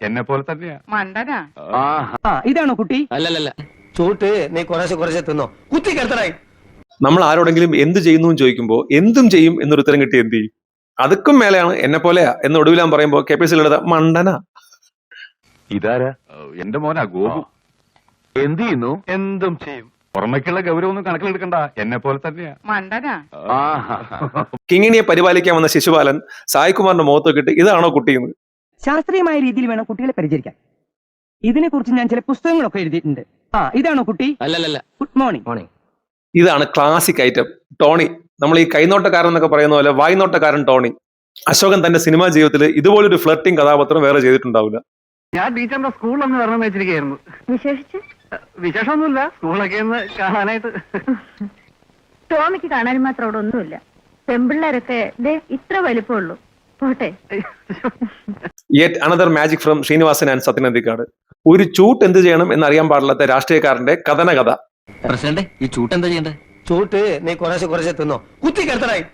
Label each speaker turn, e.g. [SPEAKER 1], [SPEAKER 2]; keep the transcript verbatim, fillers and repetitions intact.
[SPEAKER 1] എന്നെ പോലെ തന്നെയാ.
[SPEAKER 2] മണ്ടനാ.
[SPEAKER 3] ഇതാണോ കുട്ടി?
[SPEAKER 4] അല്ലല്ല,
[SPEAKER 5] ചൂട്ട് നീ കുറേശ്ശെ കുറേശ്ശെ തിന്നോ, കുത്തി കിടത്തണായി.
[SPEAKER 6] നമ്മൾ ആരോടെങ്കിലും എന്ത് ചെയ്യുന്നു എന്ന് ചോദിക്കുമ്പോൾ എന്തും ചെയ്യും എന്നൊരു ഉത്തരം കിട്ടി എന്ത് ചെയ്യും? അതുക്കും മേലെയാണ് എന്നെ പോലെയാ എന്ന് ഒടുവിലാൻ പറയുമ്പോൾ കെ പി എസ് സിയിലെടുത്ത മണ്ടനാ.
[SPEAKER 1] ഇതാരാ? എന്റെ മോനാ ഗോപു. എന്ത് ചെയ്യുന്നു? എന്തും ചെയ്യും. പുറമേക്കുള്ള ഗൗരവം ഒന്നും കണക്കിലെടുക്കണ്ട, എന്നെ പോലെ തന്നെയാ.
[SPEAKER 2] മണ്ടനാ.
[SPEAKER 6] കിങ്ങിണിയെ പരിപാലിക്കാൻ വന്ന ശിശുപാലൻ സായികുമാറിന്റെ മുഖത്ത് നോക്കിയിട്ട് ഇതാണോ കുട്ടിയെന്ന്?
[SPEAKER 3] ശാസ്ത്രീയമായ രീതിയിൽ വേണം കുട്ടികളെ പരിചരിക്കാൻ. ഇതിനെ കുറിച്ച് ഞാൻ ചില പുസ്തകങ്ങളൊക്കെ എഴുതിയിട്ടുണ്ട്. ആ ഇതാണോ കുട്ടി?
[SPEAKER 4] അല്ലല്ല.
[SPEAKER 3] Good morning.
[SPEAKER 4] മോർണിംഗ്.
[SPEAKER 6] ഇതാണ് ക്ലാസിക് ഐറ്റം ടോണി. നമ്മൾ ഈ കൈനോട്ടക്കാരൻ എന്നൊക്കെ പറയുന്ന പോലെ വായ്നോട്ടക്കാരൻ ടോണി. അശോകൻ തന്റെ സിനിമാ ജീവിതത്തിൽ ഇതുപോലൊരു ഫ്ലർട്ടിംഗ് കഥാപാത്രം വേറെ ചെയ്തിട്ടുണ്ടാവില്ല.
[SPEAKER 7] ഞാൻ ടീച്ചറിന്റെ സ്കൂളിലൊന്ന് വരണം വെച്ചിരിക്കുകയായിരുന്നു.
[SPEAKER 8] വിശേഷിച്ച്
[SPEAKER 7] വിശേഷമൊന്നുമില്ല, സ്കൂളൊക്കെ ഒന്ന് കാണാനായിട്ട്.
[SPEAKER 8] ടോമിക്ക് കാണാൻ മാത്രം അവിടെ ഒന്നുമില്ല. പെമ്പിള്ളേരൊക്കെ ദേ ഇത്ര വലിപ്പമുള്ളൂ. പോട്ടെ.
[SPEAKER 6] Yet another magic from Sreenivasan and Sathyan Anthikad. ഒരു ചൂട്ട് എന്ത് ചെയ്യണം എന്നറിയാൻ പാടില്ലാത്ത രാഷ്ട്രീയക്കാരന്റെ കഥന കഥ.
[SPEAKER 4] പ്രസിഡന്റ്, ഈ ചൂട്ട് എന്താ ചെയ്യണ്ടേ?
[SPEAKER 5] ചൂട്ട് നീ കുറേശ്ശെ കുറേശ്ശെ തിന്നോ, കുത്തി കിടത്തണായി.